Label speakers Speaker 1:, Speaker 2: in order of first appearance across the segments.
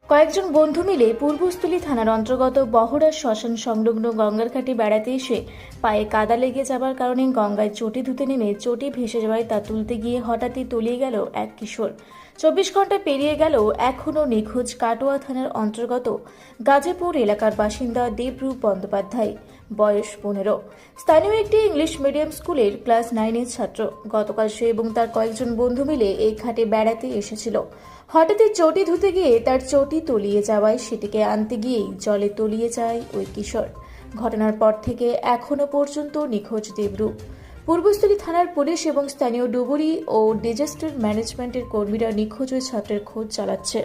Speaker 1: কয়েকজন বন্ধু মিলে পূর্বস্থলী থানার অন্তর্গত বহড়া শ্মশান সংলগ্ন গঙ্গার ঘাটে বেড়াতে এসে পায়ে কাদা লেগে যাবার কারণে গঙ্গায় চটি ধুতে নেমে চটি ভেসে যাওয়ায় তা তুলতে গিয়ে হঠাৎই তলিয়ে গেল এক কিশোর। 24 ঘন্টা পেরিয়ে গেলেও এখনও নিখোঁজ কাটোয়া থানার অন্তর্গত গাজীপুর এলাকার বাসিন্দা দেবরূপ বন্দ্যোপাধ্যায়, বয়স 15। স্থানীয় একটি ইংলিশ মিডিয়াম স্কুলের ক্লাস 9-এর ছাত্র। গতকাল সে এবং তার কয়েকজন বন্ধু মিলে এই ঘাটে বেড়াতে এসেছিল। হঠাৎই চটি ধুতে গিয়ে তার চটি তলিয়ে যাওয়ায় সেটিকে আনতে গিয়েই জলে তলিয়ে যায় ওই কিশোর। ঘটনার পর থেকে এখনো পর্যন্ত নিখোঁজ দেবরূপ। পূর্বস্থলী থানার পুলিশ এবং স্থানীয় ডুবুরি ও ডিজাস্টার ম্যানেজমেন্টের কর্মীরা নিখোঁজ ওই ছাত্রের খোঁজ চালাচ্ছে।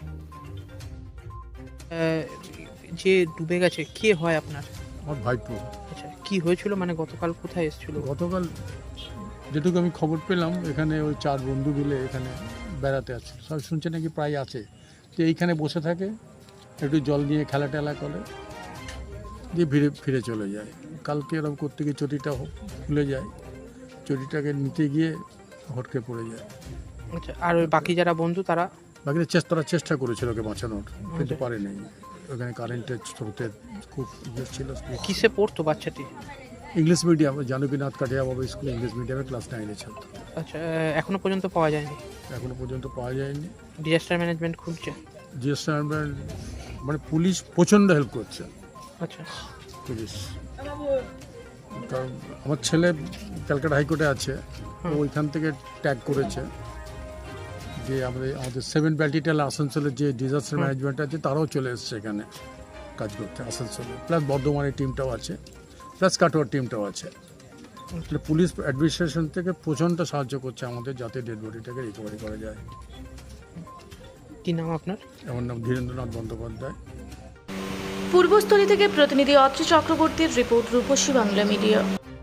Speaker 2: যে ডুবে গেছে কে হয় আপনার?
Speaker 3: আমার ভাইপো।
Speaker 2: আচ্ছা, কি হয়েছিল, মানে গতকাল কোথায় এসেছিল?
Speaker 3: গতকাল যেটুকু আমি খবর পেলাম, এখানে ওই 4 বন্ধু মিলে এখানে বেড়াতে আছে। সব শুনছে নাকি প্রায় আছে, তো এইখানে বসে থাকে, একটু জল নিয়ে খেলা টেলা করে, দিয়ে ফিরে চলে যায়। কালকে এরকম করতে গিয়ে চটিটা খুলে যায়, চটিটাকে নিতে গিয়ে হটকে পড়ে যায়।
Speaker 2: আচ্ছা, আর ওই বাকি যারা বন্ধু তারা?
Speaker 3: বাকিদের চেষ্টা করেছিল ওকে বাঁচানোর, কিন্তু পারেনি। ওখানে কারেন্টের স্রোতের খুব ইয়ে ছিল।
Speaker 2: কিসে পড়তো বাচ্চাটি?
Speaker 3: English medium, Janakinath Kathia Baba school English মিডিয়ামে ক্লাস 9-এ ছাত্র।
Speaker 2: আচ্ছা, এখনো পর্যন্ত পাওয়া যায়নি?
Speaker 3: এখনো পর্যন্ত পাওয়া যায়নি।
Speaker 2: ডিজাস্টার ম্যানেজমেন্ট খুঁজছে?
Speaker 3: ডিজাস্টার মানে পুলিশ প্রচণ্ড হেল্প করছে।
Speaker 2: আচ্ছা,
Speaker 3: পুলিশ, কারণ আমার ছেলে ক্যালকাটা হাইকোর্টে আছে, ওইখান থেকে ট্যাগ করেছে যে আমাদের 7 ব্যাটালিয়ন আসানসোলের যে ডিজাস্টার ম্যানেজমেন্ট আছে তারাও চলে এসছে এখানে কাজ করতে আসানসোলে, প্লাস বর্ধমানের টিমটাও আছে, প্লাস কাটোয়ার টিমটাও আছে। পুলিশ অ্যাডমিনিস্ট্রেশন থেকে প্রচণ্ড সাহায্য করছে আমাদের, যাতে ডেড বডিটাকে রিকভারি করা যায়।
Speaker 2: কি নাম আপনার?
Speaker 3: আমার নাম ধীরেন্দ্রনাথ বন্দ্যোপাধ্যায়।
Speaker 1: পূর্বস্থলী থেকে প্রতিনিধি অত্রি চক্রবর্তীর রিপোর্ট, রূপসী বাংলা মিডিয়া।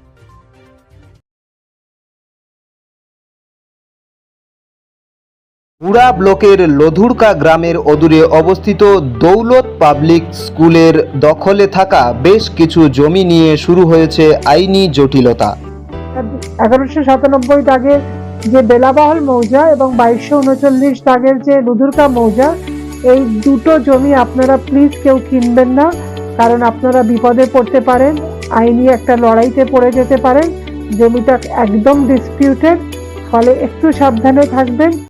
Speaker 4: মুড়া ব্লকের লধুরকা গ্রামের অদূরে অবস্থিত দৌলত পাবলিক স্কুলের দখলে থাকা বেশ কিছু জমি নিয়ে শুরু হয়েছে আইনি জটিলতা।
Speaker 5: 1197 দাগের যে বেলাবহল মৌজা এবং 2239 দাগের যে লধুরকা মৌজা, এই দুটো জমি আপনারা প্লিজ কেউ কিনবেন না, কারণ আপনারা বিপদে পড়তে পারেন, আইনি একটা লড়াইতে পড়ে যেতে পারেন। জমিটা একদম ডিসপিউটেড, ফলে একটু সাবধানে থাকবেন।